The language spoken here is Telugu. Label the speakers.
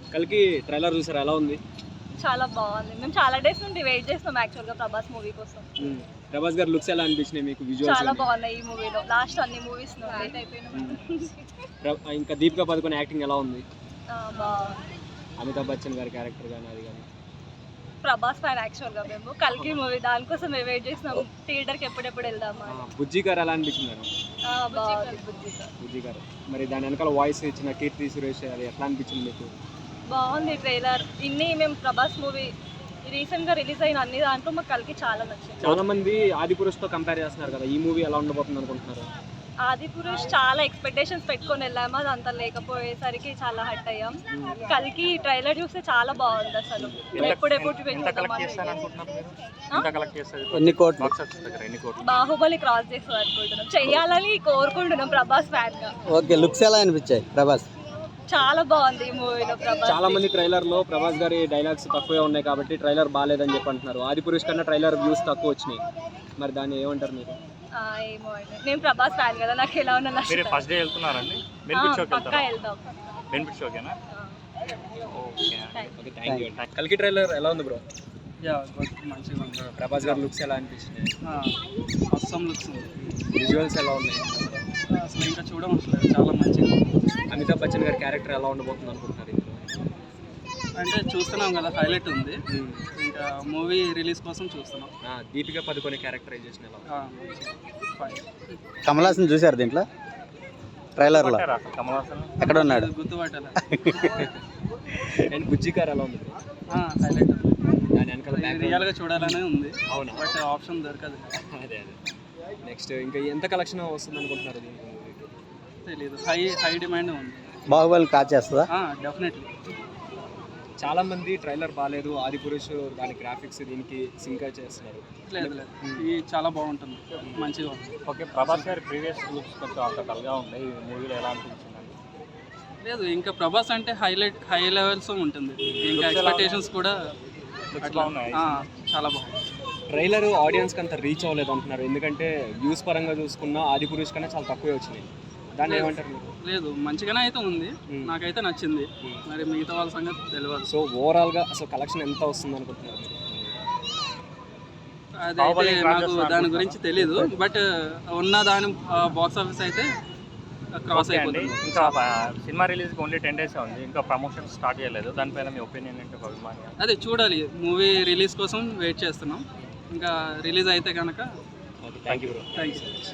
Speaker 1: కల్కి ట్రైలర్ చూసారా, ఎలా ఉంది?
Speaker 2: చాలా బాగుంది. మేము చాలా డేస్ నుండి వెయిట్ చేస్తున్నాం యాక్చువల్గా ప్రభాస్ మూవీ కోసం.
Speaker 1: ప్రభాస్ గారి లుక్స్ ఎలా అనిపించినాయి మీకు?
Speaker 2: చాలా బాగున్నాయి ఈ మూవీలో. లాస్ట్ అన్ని మూవీస్
Speaker 1: ఇంకా దీపికా పదుకొనే యాక్టింగ్ ఎలా ఉంది?
Speaker 2: బాగుంది.
Speaker 1: అమితాబ్ బచ్చన్ గారి క్యారెక్టర్ కానీ అది కానీ.
Speaker 2: ప్రభాస్ ఫ్యాన్ యాక్చువల్గా మేము. కల్కి మూవీ దానికోసం మేము వెయిట్ చేస్తున్నాం థియేటర్కి ఎప్పుడెప్పుడు వెళ్దామా.
Speaker 1: బుజ్జి గారు ఎలా అనిపించింది? బుజ్జి గారు మరి దాని వెనకాల వాయిస్ ఇచ్చిన కీర్తి సురేష్ అది ఎట్లా అనిపించింది మీకు?
Speaker 2: బాగుంది ట్రైలర్. మేము ప్రభాస్ మూవీ రీసెంట్గా రిలీజ్ అయిన అన్ని దాంట్లో మాకు కల్కి చాలా నచ్చింది.
Speaker 1: చాలా మంది ఆదిపురుష్ తో కంపేర్ చేస్తున్నారు కదా, ఈ మూవీ ఎలా ఉండబోతుంది అనుకుంటున్నారు?
Speaker 2: ఆదిపురుష్ చాలా ఎక్స్పెక్టేషన్స్ పెట్టుకొని వెళ్ళాము, అది అంత లేకపోయేసరికి చాలా హట్ అయ్యాం. కల్కి ట్రైలర్ చూస్తే చాలా బాగుంది అసలు. బాహుబలి క్రాస్ చేస్తుంది అనుకుంటున్నాం, చెయ్యాలని కోరుకుంటున్నాం ప్రభాస్ ఫ్యాన్ గా.
Speaker 3: ఓకే, లుక్స్ ఎలా అనిపించాయి ప్రభాస్?
Speaker 2: చాలా బాగుంది ఈ మూవీలో ప్రభాస్.
Speaker 1: చాలా మంది ట్రైలర్ లో ప్రభాస్ గారి డైలాగ్స్ తక్కువే ఉన్నాయి కాబట్టి ట్రైలర్ బాగాలేదని చెప్పి అంటున్నారు. ఆదిపురుష్ కన్నా ట్రైలర్ వ్యూస్ తక్కువ వచ్చినాయి, మరి దాన్ని ఏమంటారు మీరు?
Speaker 2: ఏమో అండి, నేను ప్రభాస్ ఫ్యాన్ కదా, నాకు ఎలా ఉన్నా
Speaker 4: ఫస్ట్ డే వెళ్తున్నారండి.
Speaker 2: పక్కా వెళ్తాం.
Speaker 1: కల్కి ట్రైలర్ ఎలా ఉంది బ్రో?
Speaker 3: మంచిగా ఉంది.
Speaker 1: ప్రభాస్ గారి లుక్స్ ఎలా అనిపించినాయి?
Speaker 3: అస్సాం లుక్స్,
Speaker 1: విజువల్స్ ఎలా ఉన్నాయి?
Speaker 3: అసలు ఇంకా చూడమసలేదు, చాలా మంచిగా.
Speaker 1: అమితాబ్ బచ్చన్ గారి క్యారెక్టర్ ఎలా ఉండబోతుంది అనుకుంటున్నారు?
Speaker 3: అంటే చూస్తున్నాం కదా, హైలైట్ ఉంది. ఇంకా మూవీ రిలీజ్ కోసం చూస్తున్నాం.
Speaker 1: దీపికా పదుకొనే క్యారెక్టరైజేషన్ ఎలా?
Speaker 3: కమల్ హాసన్ చూసారు దీంట్లో ట్రైలర్లో? ఎక్కడ ఉన్నాడు
Speaker 2: గుర్తుపట్టాలి.
Speaker 1: అండ్ బుజ్జి గారు ఎలా ఉంది?
Speaker 3: హైలైట్ ఉంది.
Speaker 1: దాని వెనకాల
Speaker 3: రియల్గా చూడాలనే ఉంది.
Speaker 1: అవునా?
Speaker 3: బట్ ఆప్షన్ దొరకదు.
Speaker 1: అదే నెక్స్ట్ ఇంకా ఎంత కలెక్షన్ వస్తుంది అనుకుంటున్నారు?
Speaker 3: తెలియదు, హై డిమాండ్ ఉంది.
Speaker 5: బాహుబలి కాచేస్తుందా?
Speaker 3: డెఫినెట్లీ.
Speaker 1: చాలా మంది ట్రైలర్ బాగాలేదు, ఆదిపురుష్ దాని గ్రాఫిక్స్ దీనికి సింక్ చేస్తున్నారు.
Speaker 3: లేదు ఇది చాలా బాగుంటుంది, మంచిగా ఉంది.
Speaker 4: ఓకే, ప్రభాస్ గారి ప్రీవియస్ లుక్స్ కొంచెం అంత డల్గా ఉన్నాయి, ఈ మూవీలో ఎలా అనిపించింది?
Speaker 3: లేదు, ఇంకా ప్రభాస్ అంటే హై లెవెల్స్ ఉంటుంది. ఇంకా ఎక్స్పెక్టేషన్స్ కూడా అట్లా ఉన్నాయి. చాలా బాగుంది.
Speaker 1: ట్రైలర్ ఆడియన్స్కి అంత రీచ్ అవ్వలేదు అంటున్నారు, ఎందుకంటే వ్యూస్ పరంగా చూసుకున్నా ఆదిపురుష్ కన్నా చాలా తక్కువే వచ్చినాయి. దాన్ని ఏమంటారు మీరు?
Speaker 3: లేదు, మంచిగానే అయితే ఉంది, నాకైతే నచ్చింది. మరి మిగతా వాళ్ళ సంగతి తెలియదు.
Speaker 1: సో ఓవరాల్గా అసలు కలెక్షన్ ఎంత వస్తుంది అనుకుంటున్నారు?
Speaker 3: అదైతే నాకు దాని గురించి తెలీదు, బట్ ఉన్న దాని బాక్స్ ఆఫీస్ అయితే క్రాస్ అయిపోయింది.
Speaker 4: ఇంకా సినిమా రిలీజ్కి ఓన్లీ 10 days ఉంది, ఇంకా ప్రమోషన్ స్టార్ట్ చేయలేదు. దానిపైన మీ ఒపీనియన్ ఏంటి?
Speaker 3: అదే చూడాలి, మూవీ రిలీజ్ కోసం వెయిట్ చేస్తున్నాం. ఇంకా రిలీజ్ అయితే కనుక.
Speaker 1: Thank you bro.
Speaker 3: Thank you.